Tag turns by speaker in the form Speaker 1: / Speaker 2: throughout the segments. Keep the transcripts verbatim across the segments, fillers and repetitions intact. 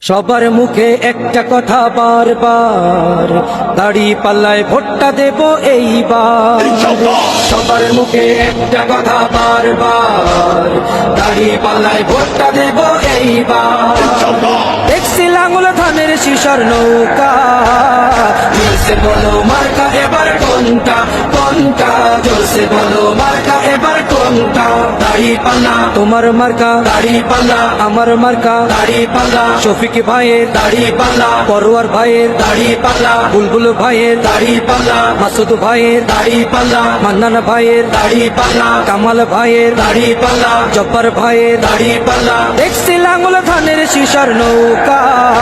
Speaker 1: সবার মুখে একটা কথা বারবার, দাড়ি পাল্লায় ভোটটা দেব এইবার। সবার মুখে একটা কথা বারবার, দাড়ি পাল্লায় ভোটটা দেব এইবার। দেখছি লাঙ্গল ধানের শিশার নৌকা, জোরসে বলো মার্কা এবার কোনটা কোনটা, জোরসে বলো মার্কা এবার কোনটা। দাড়ি পাল্লা তোমার মার্কা, দাড়ি পাল্লা আমার মার্কা, দাড়ি পাল্লা শফিক ভাইয়ের দাড়ি পাল্লা, পরোয়ার ভাইয়ের দাড়ি পাল্লা, বুলবুল ভাইয়ের দাড়ি পাল্লা, মাসুদ ভাইয়ের দাড়ি পাল্লা, মান্নান ভাইয়ের দাড়ি পাল্লা, কামাল ভাইয়ের দাড়ি পাল্লা, জব্বার ভাইয়ের দাড়ি পাল্লা। দেখছি লাঙ্গল ধানের শিশার নৌকা,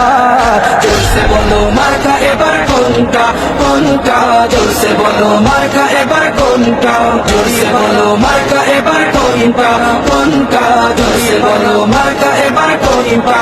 Speaker 1: জোরসে বলো মার্কা এবার কোনটা কোনটা, জোরসে বলো মার্কা এবার কোনটা, জোরসে বলো মার্কা এবার কোনটা কোনটা, জোরসে বলো মার্কা এবার কোনটা।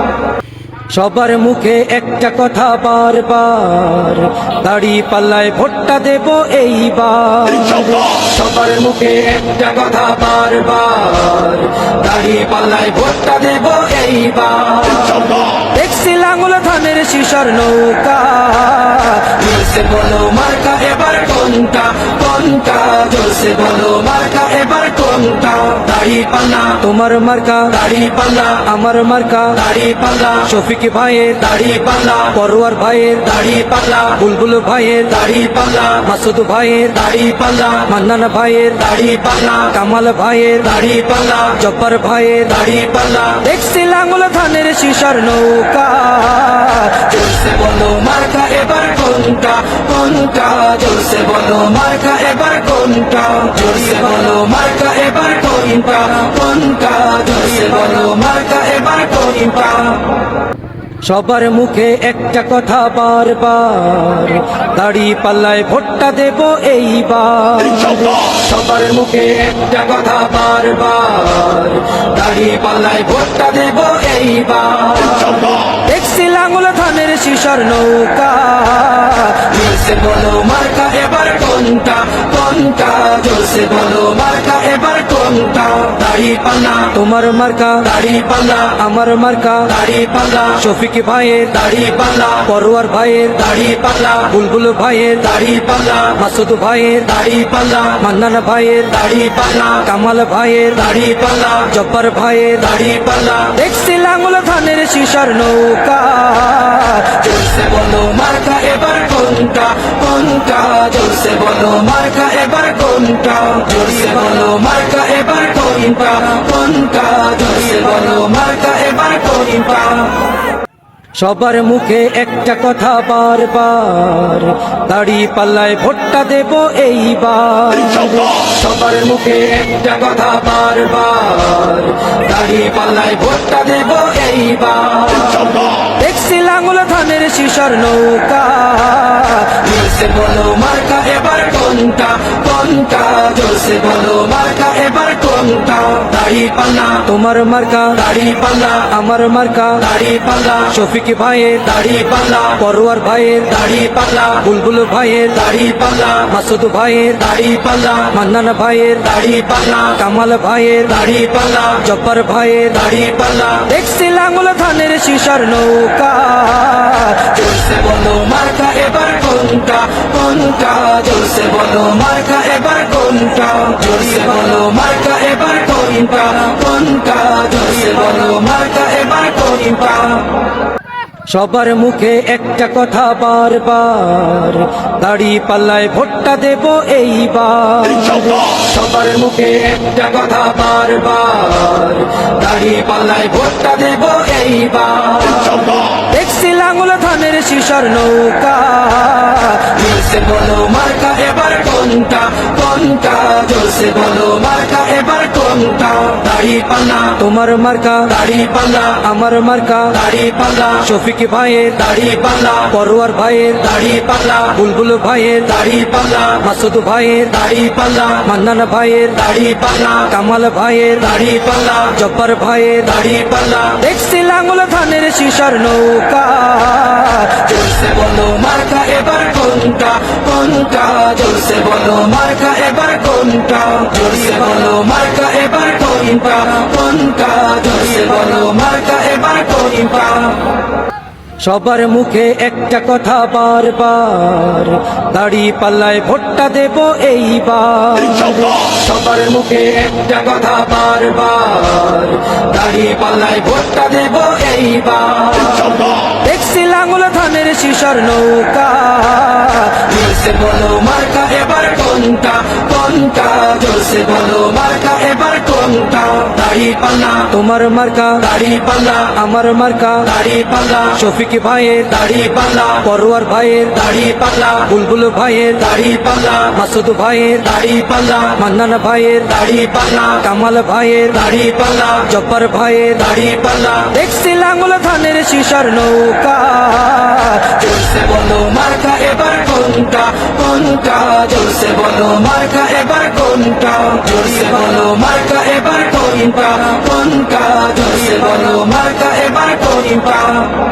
Speaker 1: সবার মুখে একটা কথা বারবার, দাড়ি পাল্লায় ভোটটা দেব এইবার। সবার মুখে একটা কথা বারবার, দাড়ি পাল্লায় ভোটটা দেব এইবার। দেখছি লাঙ্গল ধানের শিশার নৌকা, জোরসে বলো মার্কা এবার কোনটা কোনটা, জোরসে বলো মার্কা এবার কোনটা। দাড়ি পাল্লা তোমার মার্কা, দাড়ি পাল্লা আমার মার্কা, দাড়ি পাল্লা শফিক ভাইয়ের দাড়ি পাল্লা, পরোয়ার ভাইয়ের দাড়ি পাল্লা, বুলবুল ভাইয়ের দাড়ি পাল্লা, মাসুদ ভাইয়ের দাড়ি পাল্লা, মান্নান ভাইয়ের দাড়ি পাল্লা, কামাল ভাইয়ের দাড়ি পাল্লা, জব্বার ভাইয়ের দাড়ি পাল্লা। দেখছি লাঙ্গল ধানের শিশার নৌকা, জোরসে বলো মার্কা এবার কোনটা কোনটা, জোরসে বলো মার্কা এবার কোনটা, জোরসে বলো মার্কা এবার কোনটা কোনটা, জোরসে বলো মার্কা এবার কোনটা। সবার মুখে একটা কথা বারবার, দাড়ি পাল্লায় ভোটটা দেব এইবার। সবার মুখে একটা কথা বারবার, দাড়ি পাল্লায় ভোটটা দেব এইবার। দেখছি লাঙ্গল ধানের শিশার নৌকা, জোরসে বলো মার্কা এবার কোনটা কোনটা, জোরসে বলো মার্কা এবার কোনটা। দাড়ি পাল্লা তোমার মার্কা, দাড়ি পাল্লা আমার মার্কা, দাড়ি পাল্লা শফিক ভাইয়ের দাড়ি পাল্লা, পরোয়ার ভাইয়ের দাড়ি পাল্লা, বুলবুল ভাইয়ের দাড়ি পাল্লা, মাসুদ ভাইয়ের দাড়ি পাল্লা, মান্নান ভাইয়ের দাড়ি পাল্লা, কামাল ভাইয়ের দাড়ি পাল্লা, জব্বার ভাইয়ের দাড়ি পাল্লা। দেখছি লাঙ্গল ধানের শিশার নৌকা, জোরসে বলো মার্কা এবার কোনটা কোনটা, জোরসে বলো মার্কা এবার কোনটা, জোরসে বলো মার্কা এবার কোনটা কোনটা, জোরসে বলো মার্কা এবার কোনটা। সবার মুখে একটা কথা বারবার, দাড়ি পাল্লায় ভোটটা দেব এইবার। সবার মুখে একটা কথা বারবার, দাড়ি পাল্লায় ভোটটা দেব এইবার। দেখছি লাঙ্গল ধানের শিশার নৌকা, জোরসে বলো মার্কা এবার কোনটা কোনটা, জোরসে বলো মার্কা এবার কোনটা। দাড়ি পাল্লা তোমার মার্কা, দাড়ি পাল্লা আমার মার্কা, দাড়ি পাল্লা শফিক ভাইয়ের দাড়ি পাল্লা, পরোয়ার ভাইয়ের দাড়ি পাল্লা, বুলবুল ভাইয়ের দাড়ি পাল্লা, মাসুদ ভাইয়ের দাড়ি পাল্লা, মান্নান ভাইয়ের দাড়ি পাল্লা, কামাল ভাইয়ের দাড়ি পাল্লা, জব্বার ভাইয়ের দাড়ি পাল্লা। দেখছি লাঙ্গল ধানের শিশার নৌকা, জোরসে বলো মার্কা এবার কোনটা কোনটা, জোরসে বলো মার্কা এবার কোনটা, জোরসে বলো মার্কা এবার কোনটা কোনটা, জোরসে বলো মার্কা এবার কোনটা। সবার মুখে একটা কথা বারবার, দাড়ি পাল্লায় ভোটটা দেব এইবার। সবার মুখে একটা কথা বারবার, দাড়ি পাল্লায় ভোটটা দেব এইবার। দেখছি লাঙ্গল ধানের শিশার নৌকা, জোরসে বলো মার্কা এবার কোনটা কোনটা, জোরসে বলো মার্কা এবার কোনটা। দাড়ি পাল্লা তোমার মার্কা, দাড়ি পাল্লা আমার মার্কা, দাড়ি পাল্লা শফিক ভাইয়ের দাড়ি পাল্লা, পরোয়ার ভাইয়ের দাড়ি পাল্লা, বুলবুল ভাইয়ের দাড়ি পাল্লা, মাসুদ ভাইয়ের দাড়ি পাল্লা, মান্নান ভাইয়ের দাড়ি পাল্লা, কামাল ভাইয়ের দাড়ি পাল্লা, জব্বার ভাইয়ের দাড়ি পাল্লা। দেখছি লাঙ্গল ধানের শিশার নৌকা, জোরসে বলো মার্কা এবার কোনটা কোনটা, জোরসে বলো মার্কা এবার কোনটা, জোরসে বলো মার্কা এবার কোনটা কোনটা, জোরসে বলো মার্কা এবার কোনটা। সবার মুখে একটা কথা বারবার, দাড়ি পাল্লায় ভোটটা দেব এইবার। সবার মুখে একটা কথা বারবার, দাড়ি পাল্লায় ভোটটা দেব এইবার। দেখছি লাঙ্গল ধানের শিশর নৌকা, জোরসে বলো মার্কা এবার কোনটা কোনটা, জোরসে বলো মার্কা এবার কোনটা। দাড়ি পাল্লা তোমার মার্কা, দাড়ি পাল্লা আমার মার্কা, দাড়ি পাল্লা শফিক ভাইয়ের দাড়ি পাল্লা, পরোয়ার ভাইয়ের দাড়ি পাল্লা, বুলবুল ভাইয়ের দাড়ি পাল্লা, মাসুদ ভাইয়ের দাড়ি পাল্লা, মান্নান ভাইয়ের দাড়ি পাল্লা, কামাল ভাইয়ের দাড়ি পাল্লা, জব্বার ভাইয়ের দাড়ি পাল্লা। দেখছি লাঙ্গল ধানের শিশর নৌকা, জোরসে বলো মার্কা এবার কোনটা কোনটা, জোরসে বলো মার্কা এবার কোনটা, জোরসে বলো মার্কা এবার কোনটা কোনটা, জোরসে বলো মার্কা এবার কোনটা।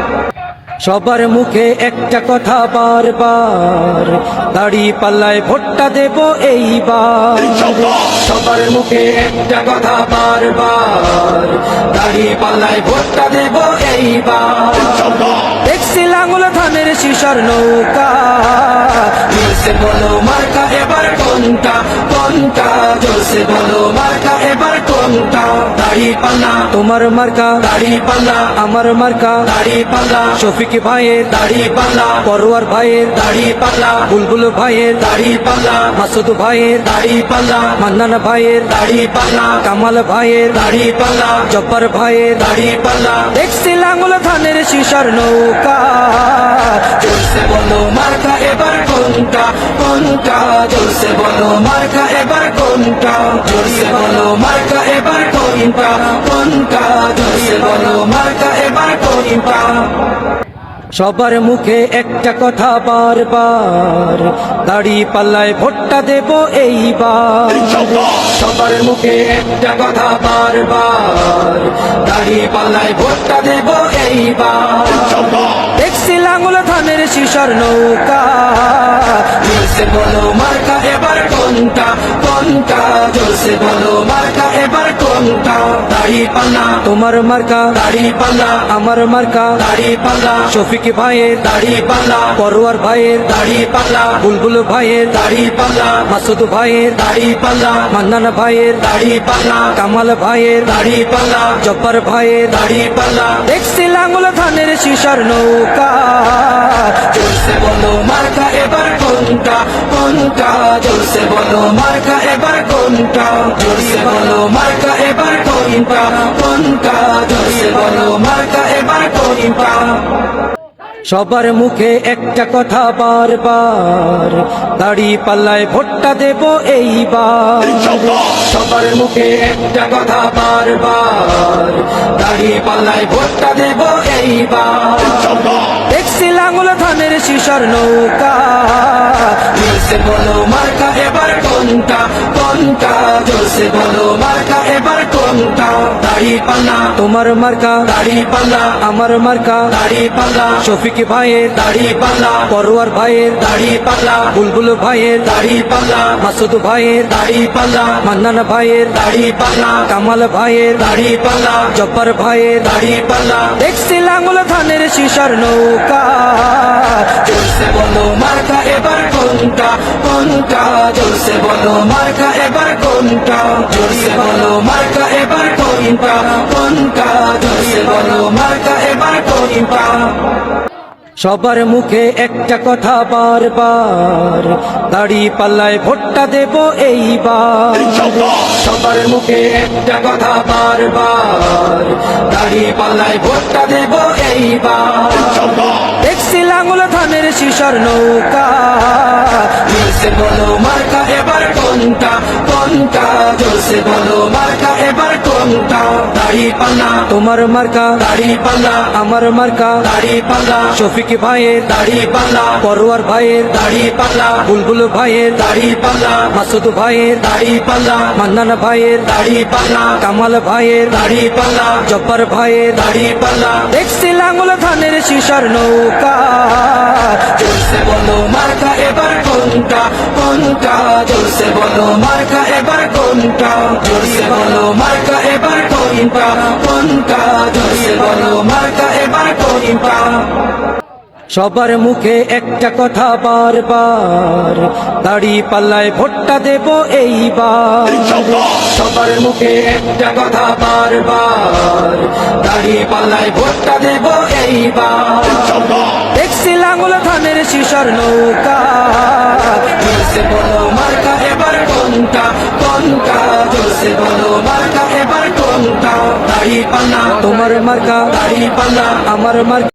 Speaker 1: সবার মুখে একটা কথা বারবার, দাড়ি পাল্লায় ভোটটা দেব এইবার। সবার মুখে একটা কথা বারবার, দাড়ি পাল্লায় ভোটটা দেব এইবার। দেখছি লাঙ্গল ধানের শিশর নৌকা, জোরসে বলো মার্কা এবার কোনটা কোনটা, জোরসে বলো মার্কা এবার কোনটা। দাড়ি পাল্লা তোমার মার্কা, দাড়ি পাল্লা আমার মার্কা, দাড়ি পাল্লা শফিক ভাইয়ের দাড়ি পাল্লা, পরোয়ার ভাইয়ের দাড়ি পাল্লা, বুলবুল ভাইয়ের দাড়ি পাল্লা, মাসুদ ভাইয়ের দাড়ি পাল্লা, মান্নান ভাইয়ের দাড়ি পাল্লা, কামাল ভাইয়ের দাড়ি পাল্লা, জব্বার ভাইয়ের দাড়ি পাল্লা। দেখছি লাঙ্গল ধানের শিশর নৌকা, জোরসে বলো মার্কা এবার কোনটা কোনটা, জোরসে বলো মার্কা এবার কোনটা, জোরসে বলো মার্কা এবার কোনটা কোনটা, জোরসে বলো মার্কা এবার কোনটা। সবার মুখে একটা কথা বারবার, দাড়ি পাল্লায় ভোটটা দেব এইবার। সবার মুখে একটা কথা বারবার, দাড়ি পাল্লায় ভোটটা দেব এইবার। দেখছি লাঙ্গল ধানের শিশর নৌকা, জোরসে বলো মার্কা এবার কোনটা কোনটা, জোরসে বলো মার্কা এবার কোনটা। দাড়ি পাল্লা তোমার মার্কা, দাড়ি পাল্লা আমার মার্কা, দাড়ি পাল্লা শফিক ভাইয়ের দাড়ি পাল্লা, পরোয়ার ভাইয়ের দাড়ি পাল্লা, বুলবুল ভাইয়ের দাড়ি পাল্লা, মাসুদ ভাইয়ের দাড়ি পাল্লা, মান্নান ভাইয়ের দাড়ি পাল্লা, কামাল ভাইয়ের দাড়ি পাল্লা, জব্বার ভাইয়ের দাড়ি পাল্লা। দেখছি লাঙ্গল ধানের শিশর নৌকা, জোরসে বলো মার্কা এবার কোনটা কোনটা, জোরসে বলো মার্কা এবার কোনটা, জোরসে বলো মার্কা এবার কোনটা কোনটা, জোরসে বলো মার্কা এবার কোনটা। সবার মুখে একটা কথা বারবার, দাড়ি পাল্লায় ভোটটা দেব এইবার। সবার মুখে একটা কথা বারবার, দাড়ি পাল্লায় ভোটটা দেব এইবার। দেখছি লাঙ্গল ধানের শিশর নৌকা, জোরসে বলো মার্কা এবার কোনটা কোনটা, জোরসে বলো মার্কা এবার কোনটা। দাড়ি পাল্লা তোমার মার্কা, দাড়ি পাল্লা আমার মার্কা, দাড়ি পাল্লা শফিক ভাইয়ের দাড়ি পাল্লা, পরোয়ার ভাইয়ের দাড়ি পাল্লা, বুলবুল ভাইয়ের দাড়ি পাল্লা, মাসুদ ভাইয়ের দাড়ি পাল্লা, মান্নান ভাইয়ের দাড়ি পাল্লা, কামাল ভাইয়ের দাড়ি পাল্লা, জব্বার ভাইয়ের দাড়ি পাল্লা। দেখছি লাঙ্গল ধানের শিশর নৌকা, জোরসে বলো মার্কা এবার কোনটা কোনটা, জোরসে বলো মার্কা এবার কোনটা, জোরসে বলো মার্কা এবার কোনটা কোনটা, জোরসে বলো মার্কা এবার কোনটা। সবার মুখে একটা কথা বারবার, দাড়ি পাল্লায় ভোটটা দেব এইবার। সবার মুখে একটা কথা বারবার, দাড়ি পাল্লায় ভোটটা দেব এইবার। দেখছি লাঙ্গল ধানের শিশর নৌকা, জোরসে বলো মার্কা এবার কোনটা কোনটা, জোরসে বলো মার্কা এবার কোনটা। দাড়ি পাল্লা তোমার মার্কা, দাড়ি পাল্লা আমার মার্কা, দাড়ি পাল্লা শফিক ভাইয়ের দাড়ি পাল্লা, পরোয়ার ভাইয়ের দাড়ি পাল্লা, বুলবুল ভাইয়ের দাড়ি পাল্লা, মাসুদ ভাইয়ের দাড়ি পাল্লা, মান্নান ভাইয়ের দাড়ি পাল্লা, কামাল ভাইয়ের দাড়ি পাল্লা, জব্বার ভাইয়ের দাড়ি পাল্লা। দেখছি লাঙ্গল ধানের শিশর নৌকা, জোরসে বলো মার্কা এবার কোনটা কোনটা, জোরসে বলো মার্কা এবার কোনটা, জোরসে বলো মার্কা এবার কোনটা কোনটা, জোরসে বলো মার্কা এবার কোনটা। সবার মুখে একটা কথা বারবার, দাড়ি পাল্লায় ভোটটা দেব এইবার। সবার মুখে একটা কথা বারবার, দাড়ি পাল্লায় ভোটটা দেব এইবার। দেখছি লাঙ্গল ধানের শিশর নৌকা, জোরসে বলো মার্কা এবার কোনটা, কোনটা জোরসে বলো মার্কা এবার কোনটা। দাড়ি পাল্লা তোমার মার্কা, দাড়ি পাল্লা আমার মার্কা।